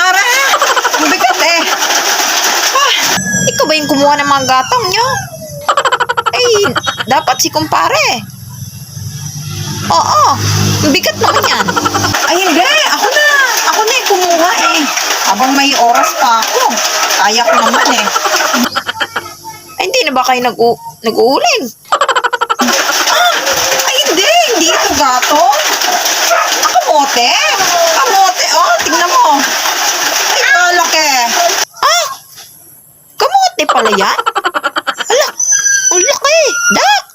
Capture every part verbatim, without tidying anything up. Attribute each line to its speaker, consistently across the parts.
Speaker 1: Mare! Ang bigat eh. Ah, ikaw ba yung kumuha ng mga gatong nyo? Eh, dapat si kumpare. Oo, ang bigat naman yan. Ay, hindi. Ako na. Ako na yung kumuha eh. Habang may oras pa ako. Kaya ko naman eh. Ay, hindi na ba kayo nag-u nag-uuling? Ah, ay, hindi. Hindi ito gatong. Ah, kamote. Kamote. Oh, tingnan mo. Ay, kalaki. Ah, kamote pala yan? Ala, ang laki. Dax.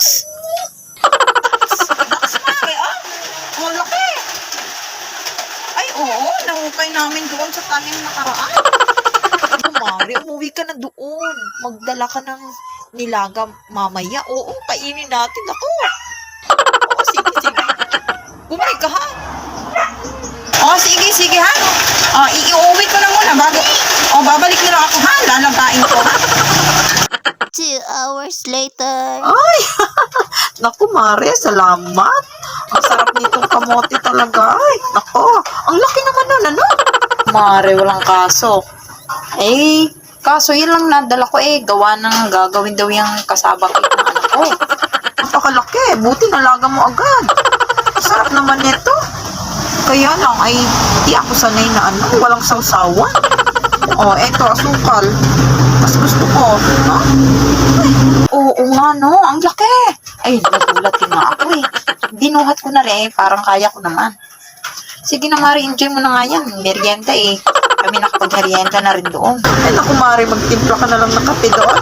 Speaker 1: Dax, mare, ah. Ang laki. Ay, oo. Nahukay namin doon sa tanim nakaraan. Mare, umuwi ka na doon. Magdala ka ng nilaga mamaya. Oo, kainin natin ako. Oo, sige, sige. Bumalik ka, ha? Oo, sige, sige, ha? O, iuwi ko na muna bago. O, babalik na lang ako, ha? Lalagain ko, ha?
Speaker 2: Two hours later.
Speaker 1: Ay, naku, Mare, salamat. Ang sarap nitong kamote talaga. Ay, naku, ang laki naman nun, ano? Mare, walang kaso. Eh, kaso yun lang nadala ko eh. Gawa ng gagawin daw yung kasabak ng anak ko. Napakalaki. Buti nalaga mo agad. Sarap naman nito. Kaya lang ay di ako sanay na ano, walang sausawan. Oh, eto, asukal. Mas gusto ko. No? Ay, oo nga no, ang laki. Ay, nagulat din nga ako eh. Dinuhat ko na rin, parang kaya ko naman. Sige na Mari, enjoy mo na nga yan. Merienda eh. Kami nakapag-merienda na rin doon. Ay naku Mari, magtimpla ka na lang ng kape doon.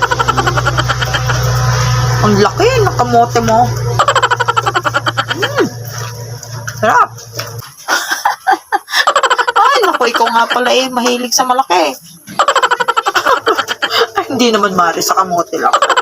Speaker 1: Ang laki, nakamote mo. Mm. Sarap. Ay naku, ikaw nga pala eh, mahilig sa malaki. Ay, hindi naman Mari, sa kamote lang.